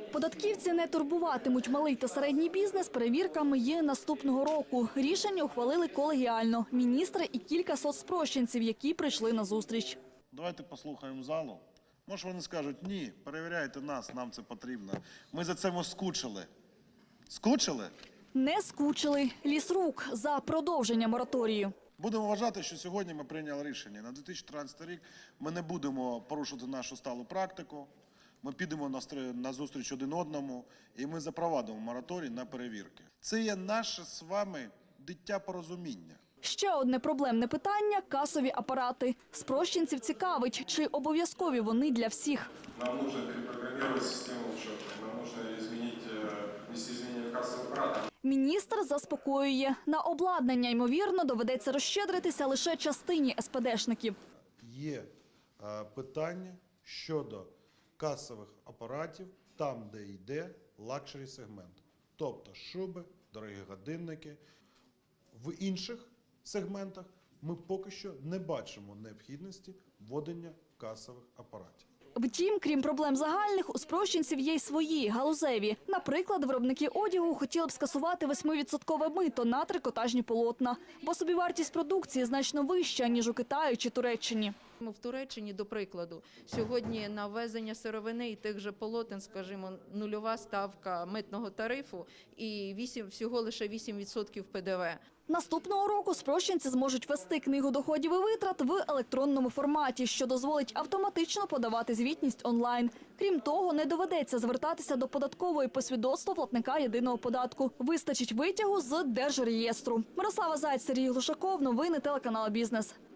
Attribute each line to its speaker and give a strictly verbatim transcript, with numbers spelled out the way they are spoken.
Speaker 1: Податківці не турбуватимуть малий та середній бізнес перевірками є наступного року. Рішення ухвалили колегіально – міністри і кілька соцспрощенців, які прийшли на зустріч.
Speaker 2: Давайте послухаємо залу. Може вони скажуть, ні, перевіряйте нас, нам це потрібно. Ми за це скучили. Скучили?
Speaker 1: Не скучили. Лісрук за продовження мораторію.
Speaker 2: Будемо вважати, що сьогодні ми прийняли рішення. На дві тисячі тринадцятий рік ми не будемо порушувати нашу сталу практику. Ми підемо на зустріч один одному і ми запровадимо мораторій на перевірки. Це є наше з вами дитя порозуміння.
Speaker 1: Ще одне проблемне питання – касові апарати. Спрощенців цікавить, чи обов'язкові вони для всіх.
Speaker 3: Нам нужно перепрограммировать систему учета, нам нужно изменить, внести изменения в кассовый аппарат.
Speaker 1: Міністр заспокоює – на обладнання, ймовірно, доведеться розщедритися лише частині ес пе дешників.
Speaker 2: Є е, питання щодо касових апаратів там, де йде лакшері сегмент. Тобто шуби, дорогі годинники. В інших сегментах ми поки що не бачимо необхідності введення касових апаратів.
Speaker 1: Втім, крім проблем загальних, у спрощенців є й свої, галузеві. Наприклад, виробники одягу хотіли б скасувати восьмивідсоткове мито на трикотажні полотна, бо собівартість продукції значно вища, ніж у Китаї чи Туреччині.
Speaker 4: В Туреччині, до прикладу, сьогодні на ввезення сировини і тих же полотен, скажімо, нульова ставка митного тарифу і вісім, всього лише вісім відсотків пе де ве.
Speaker 1: Наступного року спрощенці зможуть вести книгу доходів і витрат в електронному форматі, що дозволить автоматично подавати звітність онлайн. Крім того, не доведеться звертатися до податкової по свідоцтву платника єдиного податку. Вистачить витягу з Держреєстру. Мирослава Зайць, Сергій Глушаков. Новини телеканалу «Бізнес».